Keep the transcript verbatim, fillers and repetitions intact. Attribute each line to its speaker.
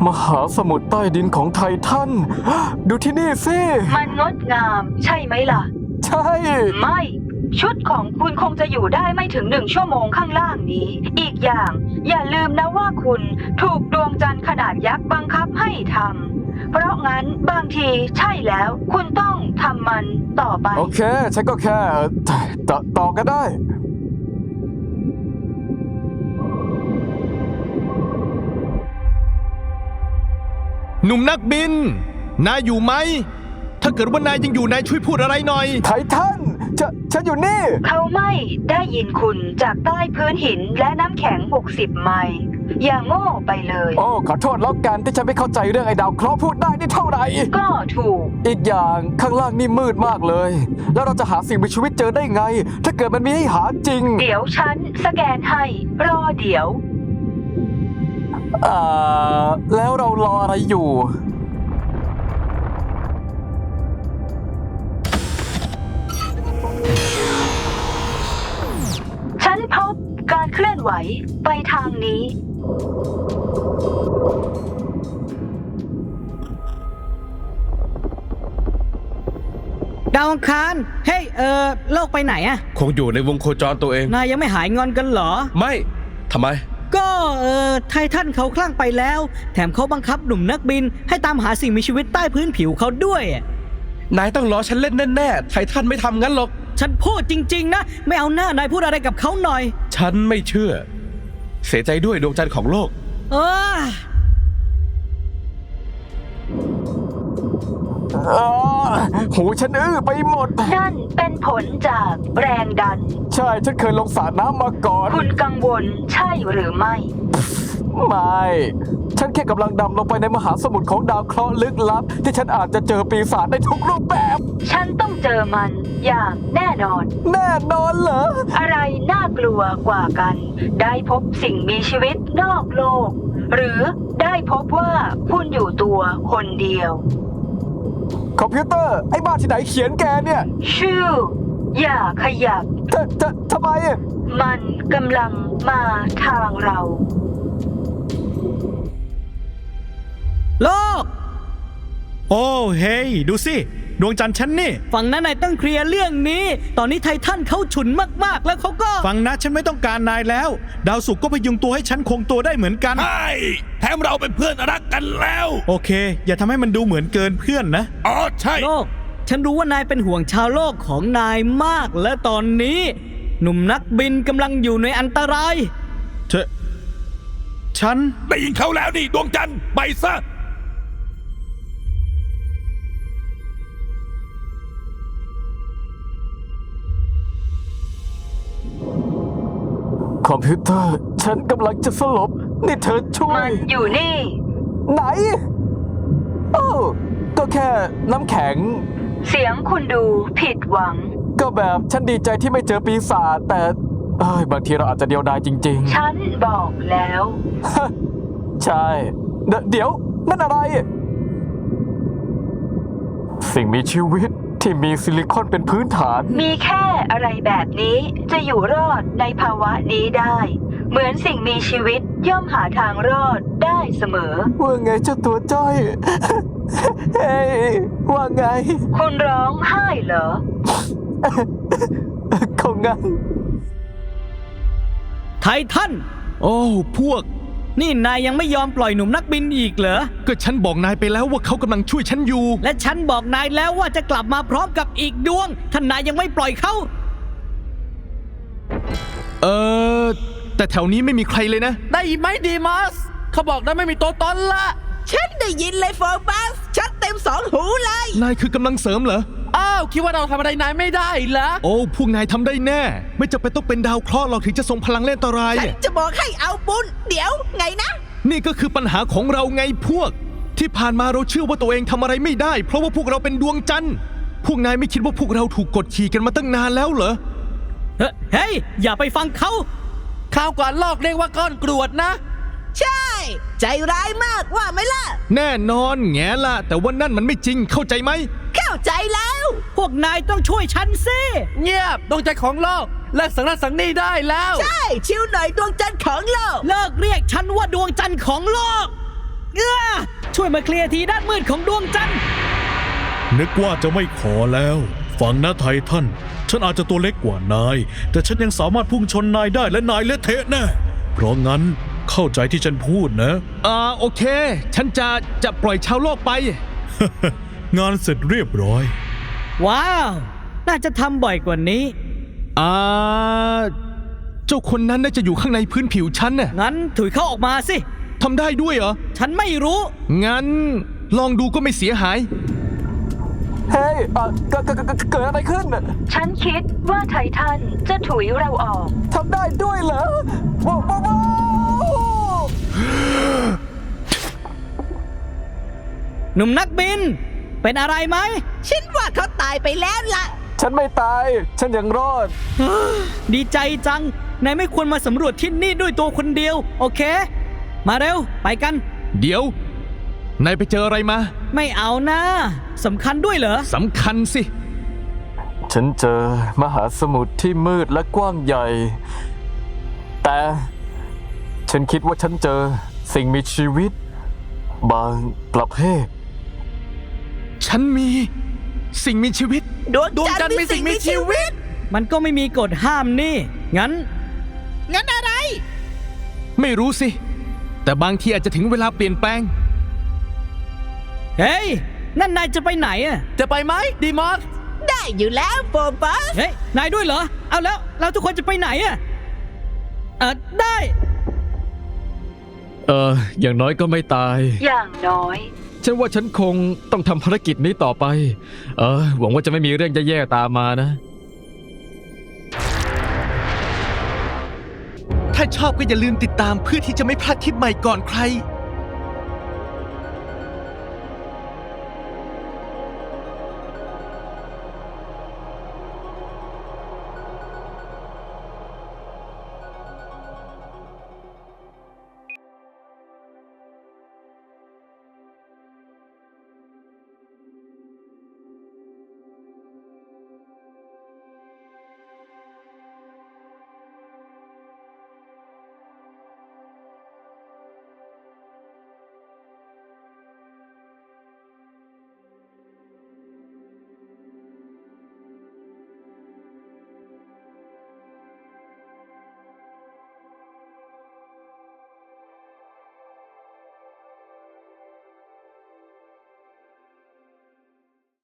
Speaker 1: มหาสมุทรใต้ดินของไททันดูที่นี่สิ
Speaker 2: มันงดงามใช่ไหมล่ะ
Speaker 1: ใช่
Speaker 2: ไม่ ชุดของคุณคงจะอยู่ได้ไม่ถึงหนึ่งชั่วโมงข้างล่างนี้ อีกอย่างอย่าลืมนะว่าคุณถูกดวงจันทร์ขนาดยักษ์บังคับให้ทำเพราะงั้นบางทีใช่แล้วคุณต้องทำมันต่อไป
Speaker 1: โอเค ฉันก็แค่ต่อต่อก็ได้
Speaker 3: หนุ่มนักบินนายอยู่ไหมถ้าเกิดว่านายยังอยู่นายช่วยพูดอะไรหน่อย
Speaker 1: ไททันจะฉันอยู่นี่
Speaker 2: เขาไม่ได้ยินคุณจากใต้พื้นหินและน้ำแข็งหกสิบไมล์อย่าโง่ไปเลย
Speaker 1: โอ้ขอโทษแล้วกันที่ฉันไม่เข้าใจเรื่องไอ้ดาวเคราะห์พูดได้นี่เท่าไหร่
Speaker 2: ก็ถูก
Speaker 1: อีกอย่างข้างล่างนี่มืดมากเลย แล้วเราจะหาสิ่งมีชีวิตเจอได้ไง ถ้าเกิดมันมีให้หาจริง
Speaker 2: เดี๋ยวฉันสแกนให้รอเดี๋ยว
Speaker 1: อ่าแล้วเรารออะไรอยู่
Speaker 2: ฉันพบการเคลื่อนไหวไปทางนี้
Speaker 4: ดาวอังคารเฮ้ยเออโลกไปไหนอะ
Speaker 3: คงอยู่ในวงโคจรตัวเอง
Speaker 4: นายยังไม่หายงอนกันเหรอ
Speaker 3: ไม่ทำไม
Speaker 4: ก็เออไททันเขาคลั่งไปแล้ว แถมเขาบังคับหนุ่มนักบินให้ตามหาสิ่งมีชีวิตใต้พื้นผิวเขาด้วยอะ
Speaker 3: นายต้องล้อฉันเล่นแน่ๆไททันไม่ทำงั้นหรอก
Speaker 4: ฉันพูดจริงๆนะไม่เอาหน้านายพูดอะไรกับเขาหน่อย
Speaker 3: ฉันไม่เชื่อ เสียใจด้วยดวงจันทร์ของโลก
Speaker 4: เออ
Speaker 1: อ่าหูฉันอื้อไปหมด
Speaker 2: นั่นเป็นผลจากแรงดัน
Speaker 1: ใช่ฉันเคยลงสระน้ำมาก่อน
Speaker 2: คุณกังวลใช่หรือไม่
Speaker 1: ไม่ ฉันแค่กำลังดำลงไปในมหาสมุทรของดาวเคราะห์ลึกลับ ที่ฉันอาจจะเจอปีศาจได้ทุกรูปแบบ
Speaker 2: ฉันต้องเจอมันอย่างแน่นอน
Speaker 1: แน่นอนเหรอ
Speaker 2: อะไรน่ากลัวกว่ากัน ได้พบสิ่งมีชีวิตนอกโลก หรือได้พบว่าคุณอยู่ตัวคนเดียว
Speaker 1: คอมพิวเตอร์ ไอ้บ้าที่ไหนเขียนแกเนี่ย
Speaker 2: ชื่อ อย่าขยับ
Speaker 1: จะจะทำไมอะ
Speaker 2: มันกำลังมาทางเรา
Speaker 4: โลก
Speaker 5: โอ้เฮ้ยดูสิดวงจันทร์ฉันนี่
Speaker 4: ฝั่งนั้นนายต้องเคลียร์เรื่องนี้ ตอนนี้ไททันเขาฉุนมากๆแล้วเขาก็
Speaker 5: ฟังนะฉันไม่ต้องการนายแล้ว ดาวศุกร์ก็พยุงตัวให้ฉันคงตัวได้เหมือนกัน
Speaker 6: ใช่แถมเราเป็นเพื่อนรักกันแล้ว
Speaker 5: โอเค อย่าทำให้มันดูเหมือนเกินเพื่อนนะ
Speaker 6: อ๋อใช่
Speaker 4: โลก ฉันรู้ว่านายเป็นห่วงชาวโลกของนายมากและตอนนี้ หนุ่มนักบินกำลังอยู่ในอันตราย
Speaker 5: เธอฉัน
Speaker 6: ได้ยินเขาแล้วนี่ดวงจันทร์ไปซะ
Speaker 1: คอมพิวเตอร์ ฉันกำลังจะสลบ นี่เธอช่ว
Speaker 2: มั
Speaker 1: ย
Speaker 2: นอยู่นี่
Speaker 1: ไหน โอ้ก็แค่น้ำแข็ง
Speaker 2: เสียงคุณดูผิดหวัง
Speaker 1: ก็แบบฉันดีใจที่ไม่เจอปีศาจแต่เอ้ยบางทีเราอาจจะเดียวดายจริง
Speaker 2: ฉันบอกแล้ว
Speaker 1: ๆ ใช่เดเดี๋ยว นั่นอะไร สิ่งมีชีวิตที่มีซิลิคอนเป็นพื้นฐาน
Speaker 2: มีแค่อะไรแบบนี้จะอยู่รอดในภาวะนี้ได้ เหมือนสิ่งมีชีวิตย่อมหาทางรอดได้เสมอ
Speaker 1: ว่าไงเจ้าตัวจ้อย เฮ้ยว่าไง
Speaker 2: คุณร้องไห้เหรอ
Speaker 1: คงงั้น
Speaker 4: ไททัน
Speaker 3: โอ้พวก
Speaker 4: นี่นายยังไม่ยอมปล่อยหนุ่มนักบินอีกเหรอ
Speaker 3: ก็ฉันบอกนายไปแล้วว่าเขากำลังช่วยฉันอยู่
Speaker 4: และฉันบอกนายแล้วว่าจะกลับมาพร้อมกับอีกดวงท่านนายยังไม่ปล่อยเขา
Speaker 3: เออแต่แถวนี้ไม่มีใครเลยนะ
Speaker 7: ได้ยินไหมดีมัสเขาบอกนะไม่มีตัวตนละ
Speaker 8: ฉันได้ยินเลยโฟบัสชัดเต็มสองหูเลย
Speaker 3: นายคือกำลังเสริมเหรอ
Speaker 7: อ้าวคิดว่าเราทำอะไรนายไม่ได้เหรอ
Speaker 3: โอ้พวกนายทำได้แน่ ไม่จำเป็นต้องเป็นดาวเคราะห์หรอกถึงจะทรงพลังเล่นอันตราย
Speaker 8: ฉันจะบอกให้เอาบุญ เดี๋ยวไงนะ
Speaker 3: นี่ก็คือปัญหาของเราไงพวก ที่ผ่านมาเราเชื่อว่าตัวเองทำอะไรไม่ได้ เพราะว่าพวกเราเป็นดวงจันทร์พวกนายไม่คิดว่าพวกเราถูกกดขี่กันมาตั้งนานแล้วเหรอ
Speaker 4: เฮ้เฮ้ย อย่าไปฟังเขา
Speaker 7: ข้าวก่อนลอกเรียกว่าก้อนกรวดนะ
Speaker 8: ใช่ ใจร้ายมากว่าไหมล่ะ
Speaker 3: แน่นอนแง่ละแต่ว่านั่นมันไม่จริงเข้าใจไหม
Speaker 8: เข้าใจแล้ว
Speaker 4: พวกนายต้องช่วยฉันสิ
Speaker 7: เงียบดวงใจของโลกเลิกสังนันสังนี่ได้แล้ว
Speaker 8: ใช่ ชิวหน่อยดวงจันทร์ของโลก
Speaker 4: เลิกเรียกฉันว่าดวงจันทร์ของโลกเอื้อช่วยมาเคลียร์ทีด้านมืดของดวงจันทร์
Speaker 5: นึกว่าจะไม่ขอแล้ว ฟังนะไททัน ฉันอาจจะตัวเล็กกว่านาย แต่ฉันยังสามารถพุ่งชนนายได้และนายเละเทะแน่ เพราะงั้นเข้าใจที่ฉันพูดนะ
Speaker 3: อ่าโอเค ฉันจะจะปล่อยชาวโลกไป
Speaker 5: งานเสร็จเรียบร้อย
Speaker 4: ว้าว น่าจะทำบ่อยกว่านี้
Speaker 3: อ่า เจ้าคนนั้นน่าจะอยู่ข้างในพื้นผิวฉันน่ะ
Speaker 4: งั้นถุยเข้าออกมาสิ
Speaker 3: ทำได้ด้วยเหรอ
Speaker 4: ฉันไม่รู้
Speaker 3: งั้นลองดูก็ไม่เสียหาย
Speaker 1: เฮ้ยอ่ะเกิดเกิดเกิดเกิดอะไรขึ้นน่ะ
Speaker 2: ฉันคิดว่าไททันจะถุยเราออก
Speaker 1: ทำได้ด้วยเหรอว้าวว้าวว้าว
Speaker 4: หนุ่มนักบิน เป็นอะไรไหม
Speaker 8: ฉันว่าเขาตายไปแล้วล่ะ
Speaker 1: ฉันไม่ตาย ฉันยังรอด
Speaker 4: ดีใจจัง นายไม่ควรมาสำรวจที่นี่ด้วยตัวคนเดียว โอเค มาเร็ว ไปกัน
Speaker 3: เดี๋ยว นายไปเจออะไรมา
Speaker 4: ไม่เอานะสำคัญด้วยเหรอ
Speaker 3: สำคัญสิ
Speaker 1: ฉันเจอมหาสมุทรที่มืดและกว้างใหญ่ แต่ฉันคิดว่าฉันเจอสิ่งมีชีวิต บางประเภท
Speaker 3: ฉันมีสิ่งมีชีวิต
Speaker 8: ดวงจันทร์มีสิ่งมีชีวิต
Speaker 4: มันก็ไม่มีกฎห้ามนี่ งั้น
Speaker 8: งั้นอะไร
Speaker 3: ไม่รู้สิ แต่บางทีอาจจะถึงเวลาเปลี่ยนแปลง
Speaker 4: เฮ้ย นั่นนายจะไปไหนอะ
Speaker 7: จะไปไหมดีมอส
Speaker 8: ได้อยู่แล้วโฟบัส
Speaker 4: เฮ้ย นายด้วยเหรอ เอาแล้ว เราทุกคนจะไปไหนอะเออได้
Speaker 1: เออ อย่างน้อยก็ไม่ตาย
Speaker 2: อย่างน้อย
Speaker 1: ฉันว่าฉันคงต้องทำภารกิจนี้ต่อไป เออ หวังว่าจะไม่มีเรื่องแย่ๆตามมานะ
Speaker 3: ถ้าชอบก็อย่าลืมติดตามเพื่อที่จะไม่พลาดคลิปใหม่ก่อนใคร